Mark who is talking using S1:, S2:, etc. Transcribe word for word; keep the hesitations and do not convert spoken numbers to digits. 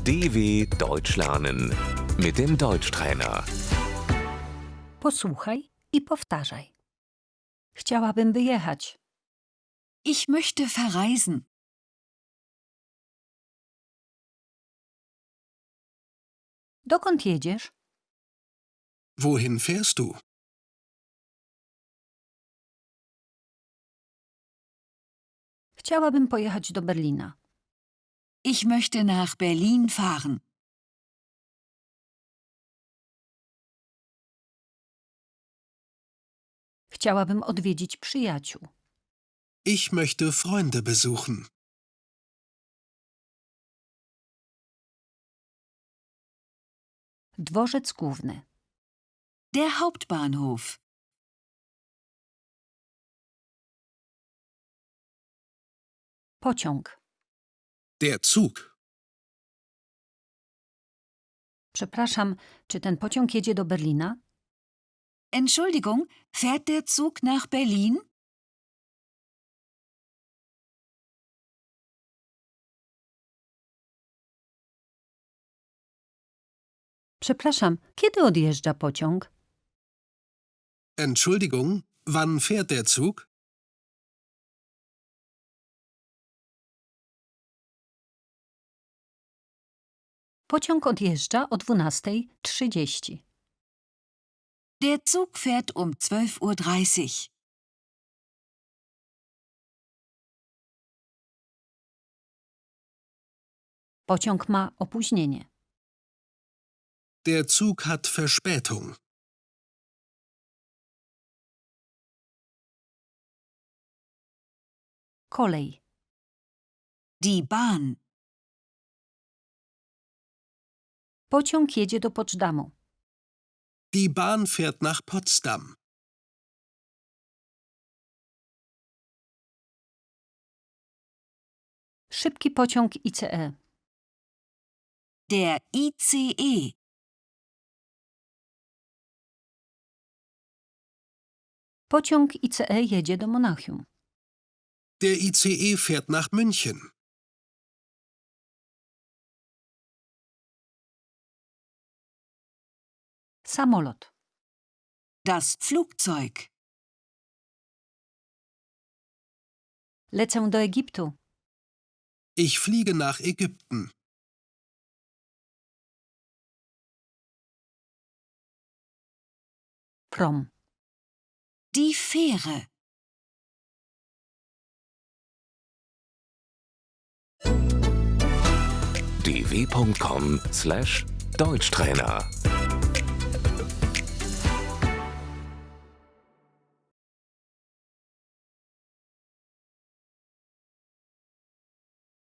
S1: D W Deutsch lernen mit dem Deutschtrainer.
S2: Posłuchaj i powtarzaj. Chciałabym wyjechać.
S3: Ich möchte verreisen.
S2: Dokąd jedziesz?
S4: Wohin fährst du?
S2: Chciałabym pojechać do Berlina.
S3: Ich möchte nach Berlin fahren.
S2: Chciałabym odwiedzić przyjaciół.
S4: Ich möchte Freunde besuchen.
S2: Dworzec główny.
S3: Der Hauptbahnhof.
S2: Pociąg.
S4: Der Zug.
S2: Przepraszam, czy ten pociąg jedzie do Berlina?
S3: Entschuldigung, fährt der Zug nach Berlin?
S2: Przepraszam, kiedy odjeżdża pociąg?
S4: Entschuldigung, wann fährt der Zug?
S2: Pociąg odjeżdża o dwunasta trzydzieści.
S3: Der Zug fährt um zwölf Uhr dreißig.
S2: Pociąg ma opóźnienie.
S4: Der Zug hat Verspätung.
S2: Kolej.
S3: Die Bahn.
S2: Pociąg jedzie do Potsdamu.
S4: Die Bahn fährt nach Potsdam.
S2: Szybki pociąg I C E.
S3: Der I C E.
S2: Pociąg I C E jedzie do Monachium.
S4: Der I C E fährt nach München.
S2: Samolot.
S3: Das Flugzeug.
S2: Lecę do Egiptu.
S4: Ich fliege nach Ägypten.
S2: Prom.
S3: Die Fähre.
S1: d w punkt com slash Deutschtrainer